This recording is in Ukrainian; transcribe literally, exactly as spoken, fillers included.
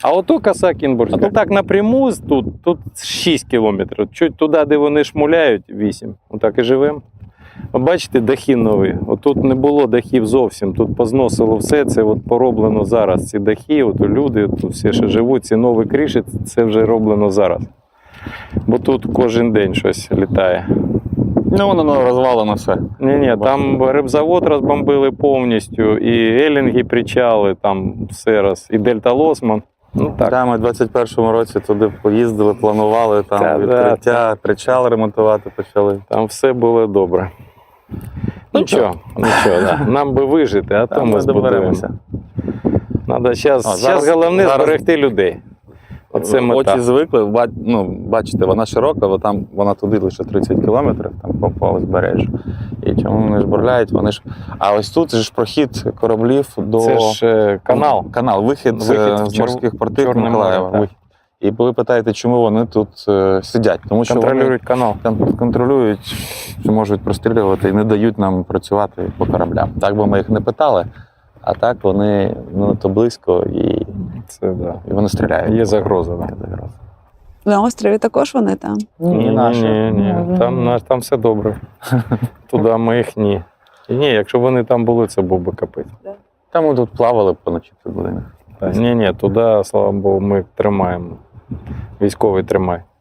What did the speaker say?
А ото коса Кінбурзька. А то так напряму тут, тут шість кілометрів. Чуть туди, де вони шмуляють, вісім. Отак і живемо. Бачите, дахи нові. Отут не було дахів зовсім. Тут позносило все. Це от пороблено зараз. Ці дахи, от люди тут всі ще живуть. Ці нові криші, це вже роблено зараз. Бо тут кожен день щось літає. Ну, воно розвалено все. Ні-ні, там рибзавод розбомбили повністю, і елінги, причали, там все раз, і Дельта Лосман. Ну, так. Да, ми в двадцять першому році туди поїздили, планували там Та, відкриття, да, причал ремонтувати почали. Там все було добре. Нічого, нічого, да. Нам би вижити, а то ми збудуємося. Надо зараз, О, зараз- зараз головне зараз- зберегти людей. Оце мета. Очі звикли, ба- ну, бачите, вона широка, бо там вона туди лише тридцять кілометрів, там по, по узбережжю. І чому вони ж бурляють, вони ж. А ось тут ж прохід кораблів до Це ж е, канал. канал, вихід, Вихід е, в з Чор- морських портів Чорне Миколаєва. море, так. Вихід. І ви питаєте, чому вони тут е, сидять? Тому що вони Контролюють канал. там контролюють, що можуть прострілювати і не дають нам працювати по кораблям. Так би ми їх не питали, а так вони ну, то близько і, Це, да. і вони стріляють. Є загроза. Да. Є загроза. На острові також вони там. Ні, наші. ні, ні. Там, наш- там все добре. Туди ми їх ні. І ні, якщо б вони там були, це був би капець. Там ми тут плавали поночі в будинок. Ні, ні, туди, слава Богу, ми тримаємо. Військовий тримає.